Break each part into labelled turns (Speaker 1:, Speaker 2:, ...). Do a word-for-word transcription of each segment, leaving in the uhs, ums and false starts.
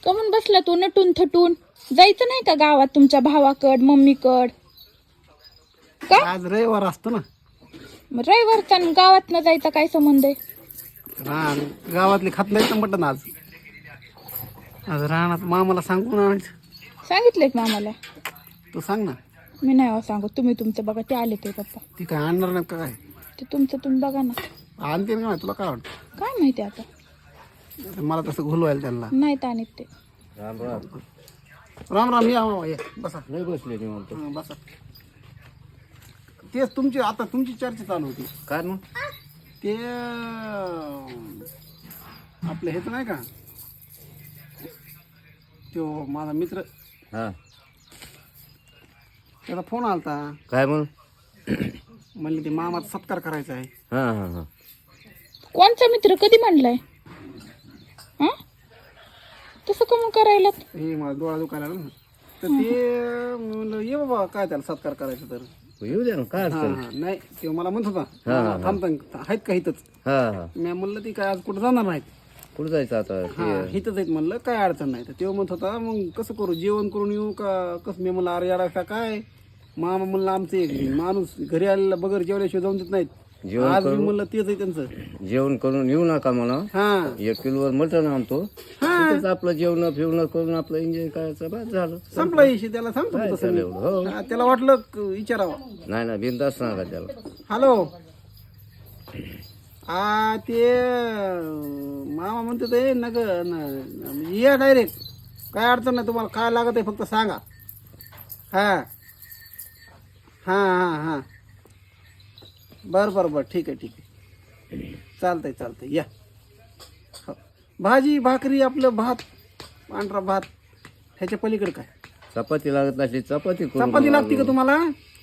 Speaker 1: कमून बसला तू नटून थटून? जायचं नाही का गावात तुमच्या भावाकड मम्मीकड? का
Speaker 2: आज रविवार असतो ना.
Speaker 1: मग रविवारचा न गावात न जायचा काय संबंध आहे?
Speaker 2: रान गावातले खात नाही तर मटण आज. आज रानात मामाला सांगून आणायचं.
Speaker 1: सांगितलंय का आम्हाला?
Speaker 2: तू सांग ना.
Speaker 1: मी नाही हो सांगू, तुम्ही तुमचं बघा. ते आले ते पप्पा,
Speaker 2: ती काय आणणार नाही का काय?
Speaker 1: ते तुमचं तुम्ही बघा ना.
Speaker 2: आणते ना तुला काय वाटतं?
Speaker 1: काय माहिती आता.
Speaker 2: मला तसं घोलवायला त्यांना.
Speaker 1: नाही तर आणत ते.
Speaker 2: राम राम राम राम. या मामा, या बसा.
Speaker 3: नाही बसले मी म्हणतो.
Speaker 2: हं, बसा. तेच तुमची आता तुमची चर्चा चालू होती.
Speaker 3: काय मग?
Speaker 2: ते अं, आपलं हेच नाही का, तो माझा मित्र,
Speaker 3: हा
Speaker 2: त्याचा फोन आलता.
Speaker 3: काय म्हणून?
Speaker 2: म्हणले ते मामाचा सत्कार करायचा आहे.
Speaker 3: हा हा हा
Speaker 1: कोणचा मित्र? कधी म्हणलाय? हा तसं कमून करायला?
Speaker 2: हे मला डोळा दुखायला लागला ना. तर ते म्हणलं ये बाबा, काय त्याला सत्कार करायचा तर.
Speaker 3: येऊ द्या ना, काय
Speaker 2: हा
Speaker 3: अडचण?
Speaker 2: हा नाही, ते मला म्हणत होता
Speaker 3: हा, हा.
Speaker 2: थांबता आहेत का इथंच.
Speaker 3: हा हा
Speaker 2: मी म्हणलं ती काय आज कुठं जाणार नाहीत.
Speaker 3: कुठं जायचं आता?
Speaker 2: हा
Speaker 3: ते
Speaker 2: इथंच आहेत म्हणलं, काय अडचण नाही. तर तेव्हा म्हणत होता मग कसं करू, जेवण करून येऊ का कसं? मी म्हणलं अरे यार का काय मामा म्हणलं आमचं एक माणूस घरी आलेला बगर जेवल्याशिवाय जाऊन देत नाहीत.
Speaker 3: जेवण
Speaker 2: आज मी
Speaker 3: करू?
Speaker 2: म्हणलं तेच आहे त्यांचं.
Speaker 3: जेवण करून येऊ नका म्हणा.
Speaker 2: हा
Speaker 3: एक किलोवर मटण आणतो. तिथेच आपलं जेवण फिवणं करून आपलं एन्जॉय करायचं, बस झालं.
Speaker 2: संपला विषय. त्याला सांगतो
Speaker 3: काय
Speaker 2: तसं
Speaker 3: त्याला
Speaker 2: मी.
Speaker 3: एवढं? हो.
Speaker 2: हा, त्याला वाटलं क- विचारावं.
Speaker 3: नाही ना, बिनधास्त सांगा त्याला.
Speaker 2: हॅलो. हा ते अं, मामा म्हणते ते नग न- या डायरेक्ट, काय अडचण नाही. तुम्हाला काय लागत आहे फक्त सांगा. हा हा हा हा बरं बरं बरं ठीक आहे ठीक आहे चालतंय चालतंय या. हो. भाजी भाकरी आपलं भात, पांढरा भात, ह्याच्या पलीकडे काय?
Speaker 3: चपाती लागत नसली चपाती करू.
Speaker 2: चपाती लागते का तुम्हाला?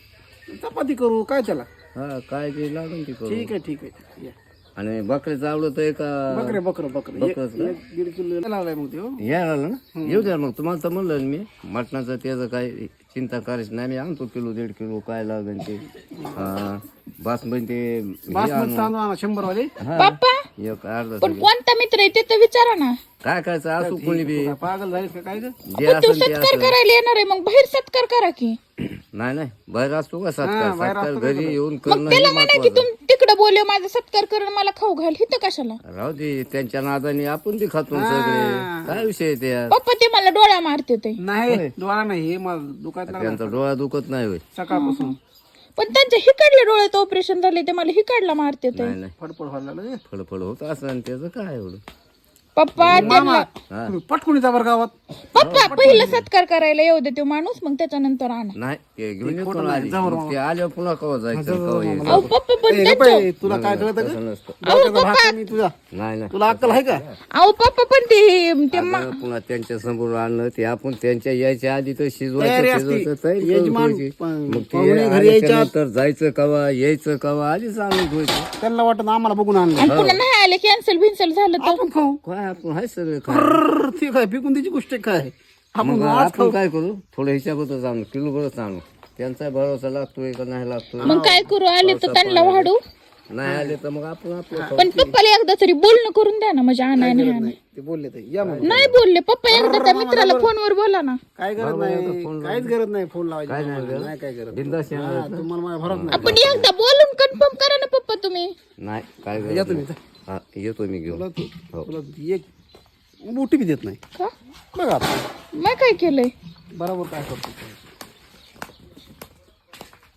Speaker 2: चपाती करू काय त्याला.
Speaker 3: हा काय ते लागून ती करू.
Speaker 2: ठीक आहे ठीक आहे या.
Speaker 3: आणि बकरीचं आवडत आहे का?
Speaker 2: बकरे बकरं बकरं एक
Speaker 3: बकरंच का?
Speaker 2: एक दीड किलो लावलाय मग ते. हो.
Speaker 3: यायला आलं ना, येऊ द्या मग. तुम्हाला तर म्हणलं ना मी, मटणाचं त्याचं काय चिंता करायची नाही. मी आणतो किलो दीड किलो काय लागेल ते. हा बासमती ते हे
Speaker 2: बासमती
Speaker 3: आणू.
Speaker 2: तांदूळ आणा शंभर वाले.
Speaker 3: हा,
Speaker 1: पप्पा
Speaker 3: एक अर्धा
Speaker 1: पण
Speaker 3: किलो.
Speaker 1: कोणता मित्र आहे ते तर विचारा ना.
Speaker 3: काय करायचं असू कोणी बी,
Speaker 2: काय पागल झालीस का काय ग?
Speaker 3: जे
Speaker 1: पण तू
Speaker 3: असेल ते
Speaker 1: सत्कार
Speaker 3: असं.
Speaker 1: करायला येणार आहे, मग बाहेर सत्कार करा की.
Speaker 3: नाही नाही, बाहेर असतो का
Speaker 2: हा,
Speaker 3: सत्कार?
Speaker 2: बाहेर
Speaker 3: सत्कार
Speaker 2: असतो का
Speaker 3: घरी
Speaker 2: सगळं?
Speaker 3: येऊन
Speaker 1: मग
Speaker 3: करणं
Speaker 1: त्याला
Speaker 3: हे
Speaker 1: म्हणा की
Speaker 3: महत्वाचं.
Speaker 1: तुम तिकडे बोलव माझा सत्कार कर आणि मला खाऊ घाल. हिथं कशाला?
Speaker 3: राहू दे, त्यांच्या नादाने आपण ते खातो सगळे. काय विषय आहे त्या?
Speaker 1: पप्पा ते मला डोळ्या मारते ते.
Speaker 2: नाही डोळा नाही, हे मला दुखायला लागला
Speaker 3: त्यांचा डोळा दुखत नाही होय?
Speaker 2: सकाळपासून.
Speaker 1: पण त्यांच्या हिकडल्या डोळ्याचं ऑपरेशन झाले ते मला हिकडला मारते ते.
Speaker 3: नाही नाही,
Speaker 2: फडफड व्हायला लागलं.
Speaker 3: फळफळ होत असं आणि त्याचं काय एवढं.
Speaker 1: पप्पा
Speaker 2: मामा
Speaker 3: हा.
Speaker 2: तुम्ही पटकून जा बरं गावात.
Speaker 1: पप्पा पहिलं सत्कार करायला येऊ दे तो माणूस, मग त्याच्यानंतर आणा.
Speaker 3: नाही ते घेऊन येतो
Speaker 2: खोटं
Speaker 3: ना
Speaker 2: नाही,
Speaker 3: आधी.
Speaker 2: जाऊ
Speaker 3: मग ते आल्यावर पुन्हा कवा जायचं कवा यायचं.
Speaker 1: अहो पप्पा पण
Speaker 2: ए,
Speaker 1: त्यांचं
Speaker 2: गप्प आहे, तुला काय कळत का?
Speaker 3: तसं नसतं.
Speaker 2: डोक्याचा भाग कमी तुझा.
Speaker 3: नाही नाही,
Speaker 2: तुला अक्कल आहे का?
Speaker 1: अहो पप्पा पण ते ते मा-
Speaker 3: अगं, पुन्हा त्यांच्या समोर आणलं ते आपण त्यांच्या यायच्या आधी तर
Speaker 2: तयारी
Speaker 3: शिजवायचं
Speaker 2: असती.
Speaker 3: शिजवायचं तयारी करून
Speaker 2: यजमान
Speaker 3: ठेवायची.
Speaker 2: पण
Speaker 3: मग
Speaker 2: पाहुणे
Speaker 3: ते
Speaker 2: घरी यायच्या आत.
Speaker 3: नंतर जायचं कवा यायचं कवा आधीच आणून ठेवायचं.
Speaker 2: त्यांना वाटत आम्हाला बघून आणलं.
Speaker 1: आणि पुन्हा नाही आले कॅन्सल बिन्सल झालं तर
Speaker 2: आपण खाऊ.
Speaker 3: काय आपण हाय सगळे काय.
Speaker 2: अर्र, ते काय पिकून त्याची गोष्ट आहे काय? आपण
Speaker 3: मग
Speaker 2: आज
Speaker 3: आपण काय करू, थोडं ह्याच्याबद्दल आणू, किलो बरंच आणू. त्यांचा भरोसा लागतोय का नाही लागतोय.
Speaker 1: मग काय करू? आले तर त्यांना वाढू.
Speaker 3: नाही आले तर मग आपण आपलं खाऊ.
Speaker 1: पण पप्पाला एकदा तरी बोलणं करून द्या ना, म्हणजे आणाय नाही आणाय.
Speaker 2: ते बोलले ते या मग.
Speaker 1: नाही बोलले पप्पा, एकदा त्या मित्राला फोनवर बोला ना.
Speaker 2: काय गरज नाही, काहीच गरज नाही फोन लावायची. नाही काय गरज.
Speaker 3: बिनधास्त येणार
Speaker 2: हा, तुम्हाला माझ्या भरोसा नाही.
Speaker 1: आपण एकदा बोलून कन्फर्म करा ना पप्पा तुम्ही.
Speaker 3: नाही काय गरज
Speaker 2: या तुम्ही.
Speaker 3: नाही. हा, येतो मी घेऊन.
Speaker 2: तुला तू- तुला एक मोठी बी देत नाही.
Speaker 1: का?
Speaker 2: बघा आता.
Speaker 1: मग काय केलंय?
Speaker 2: बरोबर काय करतो.